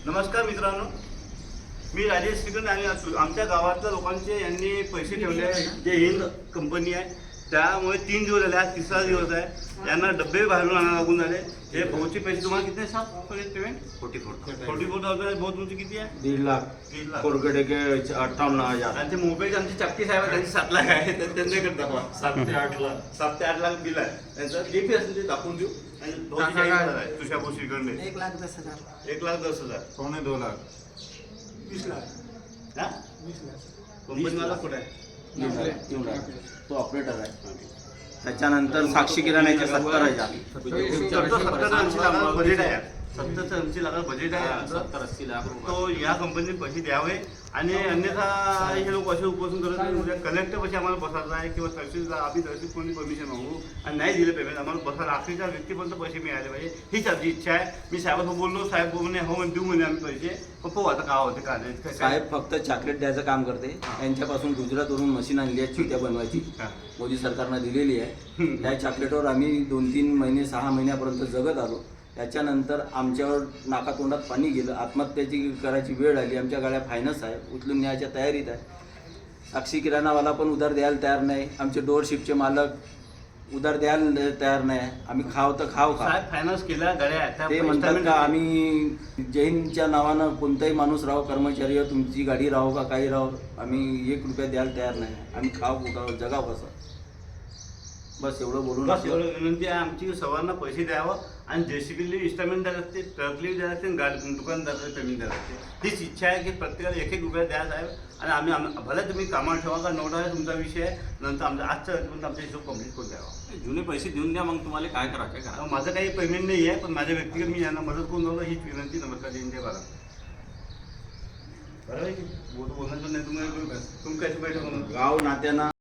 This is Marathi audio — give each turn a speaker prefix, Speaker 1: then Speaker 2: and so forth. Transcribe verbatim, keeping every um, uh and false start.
Speaker 1: नमस्कार मित्रांनो, मी राजेश श्रीगंध आणि आमच्या गावातल्या लोकांचे यांनी पैसे ठेवले जे हिंद कंपनी आहे, त्यामुळे तीन दिवस झाले, आज तिसरा दिवस आहे. यांना डब्बे बाहेरून आणायला लागून झाले. हे भाऊचे पैसे तुम्हाला किती सात payment forty four forty four thousand. भाऊ तुमची किती आहे?
Speaker 2: दीड लाख
Speaker 1: दीड लाख
Speaker 2: कोरगडे के अठ्ठावन्न हजार.
Speaker 1: आणि ते मोबाईलचे आमचे चपटी साहेब आहे, त्यांची सात लाख आहे. तर त्यांच्याकडे दाखवा. सात ते आठ लाख सात ते आठ लाख बिल आहे त्यांचं. जे पी असेल ते दाखवून देऊ. आणि भाऊची चाळीस हजार आहे तुषार भाऊ श्रीगंध.
Speaker 3: एक लाख दस हजार
Speaker 1: एक लाख दस हजार
Speaker 2: पावणे दोन लाख
Speaker 3: वीस लाख
Speaker 1: हा
Speaker 3: वीस लाख
Speaker 1: कंपनीवाला कुठे आहे?
Speaker 2: तो ऑपरेटर आहे. त्याच्यानंतर साक्षी किराण्याचे सत्तर हजार.
Speaker 1: सत्तर ऐंशी लाख बजेट आहे. सत्तर ऐंशी लाख बजेट आहे.
Speaker 2: सत्तर अस्सी लाख
Speaker 1: तो या कंपनीने पैसे द्यावे. आणि अन्यथा हे लोक असे उपोषण करत नाही. उद्या कलेक्टर पैसे आम्हाला बसायचं आहे किंवा तहसीलला आम्ही तहसील कोणी परमिशन मागू आणि नाही दिलं पेमेंट आम्हाला बसायला अखेरच्या व्यक्तीपर्यंत पैसे मिळाले पाहिजे, हीच आमची इच्छा आहे. मी साहेबांना बोललो, साहेब बोलणे हो देऊ म्हणे आम्ही पैसे. पण पाहू आता काय होते काय नाही.
Speaker 2: साहेब फक्त चॉकलेट द्यायचं काम करते. यांच्यापासून गुजरातवरून मशीन आणली आहे चिट्या बनवायची, मोदी सरकारनं दिलेली आहे. त्या चॉकलेटवर आम्ही दोन तीन महिने सहा महिन्यापर्यंत जगत आलो. त्याच्यानंतर आमच्यावर नाकातोंडात पाणी गेलं. आत्महत्याची करायची वेळ आली. आमच्या गाड्या फायनान्स आहे, उचलून न्यायच्या तयारीत आहे. साक्षी किराणावाला पण उधार द्यायला तयार नाही. आमचे डोअरशिपचे मालक उधार द्यायला तयार नाही. आम्ही खाव तर खाव का
Speaker 1: साहेब फायनान्स केल्या गाड्या
Speaker 2: ते म्हणतात का आम्ही जैनच्या नावानं कोणताही माणूस राहो, कर्मचारी तुमची गाडी राहो का काही राहो, आम्ही एक रुपया द्यायला तयार नाही. आम्ही खाव कुठं जगाव कसं, बस एवढं बोलून
Speaker 1: बस एवढं विनंती आहे आमची. सर्वांना पैसे द्यावं आणि जेसीबीला इन्स्टॉलमेंट द्यायला लागते, ट्रकली द्यायला लागते, गाडी दुकानदाराला पेमेंट द्यायला लागते. हीच इच्छा आहे की प्रत्येकाला एक एक रुपया द्यायला आहे. आणि आम्ही भले तुम्ही कामाला ठेवा का नोटा आहे तुमचा विषय आहे. नंतर आमच्या आजच्या पण आमचा हिशोब कम्प्लीट करून द्यावा.
Speaker 4: जुने पैसे देऊन द्या, मग तुम्हाला काय करायचं करा.
Speaker 1: माझं काही पेमेंट नाही आहे, पण माझ्या व्यक्तिगत मी यांना मदत करून द्यावं हीच विनंती. नमस्कार जय जय भारत. बरोबर आहे की बोलण्याचं नाही तुम्हाला तुम्ही काय बैठक म्हणून
Speaker 2: गाव नात्यानं